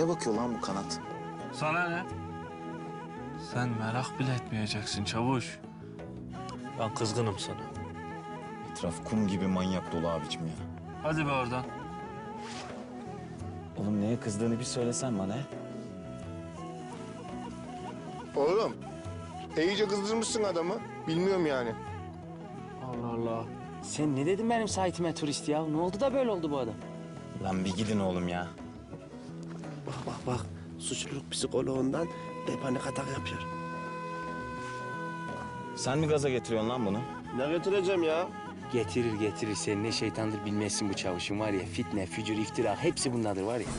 Neye bakıyor lan bu kanat? Sana ne? Sen merak bile etmeyeceksin çavuş. Ben kızgınım sana. Etraf kum gibi manyak dolu abicim ya. Hadi be oradan. Oğlum neye kızdığını bir söylesen bana. Oğlum, iyice kızdırmışsın adamı. Bilmiyorum yani. Allah Allah. Sen ne dedin benim saitime turist ya? Ne oldu da böyle oldu bu adam? Lan bir gidin oğlum ya. Bak. Suçluluk psikoloğundan panik atak yapıyor. Sen mi gaza getiriyorsun lan bunu? Ne getireceğim ya? Getirir. Sen ne şeytandır bilmezsin bu çavuşun var ya. Fitne, fücur, iftira hepsi bundadır var ya.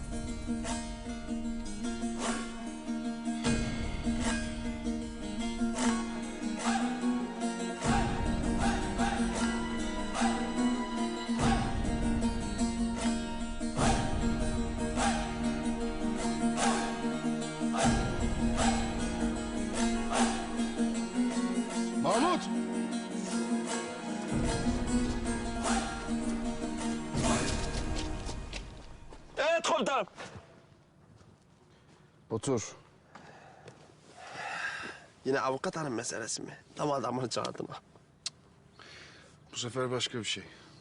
Mahmut! Evet komutanım. Otur. Yine avukat hanım meselesi mi? Tam adamını çağırdım ha. Bu sefer başka bir şey.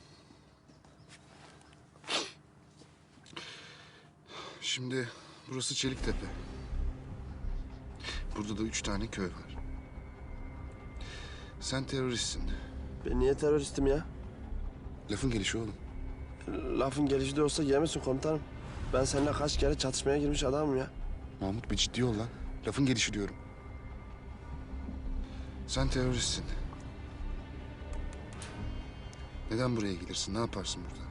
Şimdi burası Çeliktepe. Burada da 3 tane köy var. Sen teröristsin. Ben niye teröristim ya? Lafın gelişi oğlum. Lafın gelişi de olsa yemesin komutanım. Ben seninle kaç kere çatışmaya girmiş adamım ya. Mahmut bir ciddi ol lan. Lafın gelişi diyorum. Sen teröristsin. Neden buraya gelirsin? Ne yaparsın burada?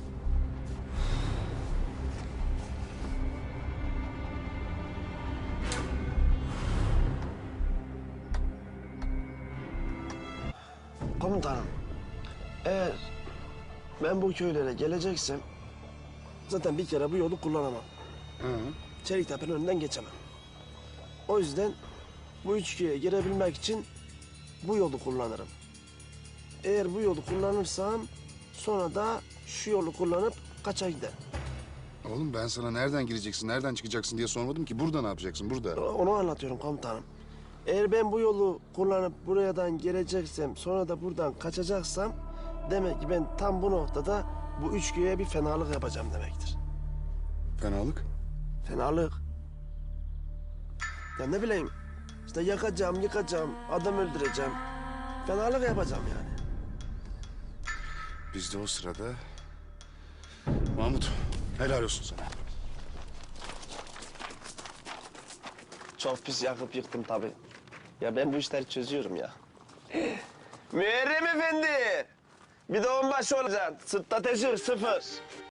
Komutanım, eğer ben bu köylere geleceksem zaten bir kere bu yolu kullanamam. Çeliktepe'nin önünden geçemem. O yüzden bu üç köye girebilmek için bu yolu kullanırım. Eğer bu yolu kullanırsam sonra da şu yolu kullanıp kaça giderim. Oğlum ben sana nereden gireceksin, nereden çıkacaksın diye sormadım ki. Burada ne yapacaksın? Burada. Onu anlatıyorum komutanım. Eğer ben bu yolu kullanıp buradan geleceksem sonra da buradan kaçacaksam demek ki ben tam bu noktada bu üç köye bir fenalık yapacağım demektir. Fenalık. Fenalık. Ya ne bileyim işte yakacağım, yıkacağım, adam öldüreceğim. Fenalık yapacağım yani. Biz de o sırada... Mahmut, helal olsun sana. Çok pis yakıp yıktım tabii. Ya ben bu işleri çözüyorum ya. Müerrem Efendi! Bir de onbaşı olacaksın. Sırtta teşhir 0.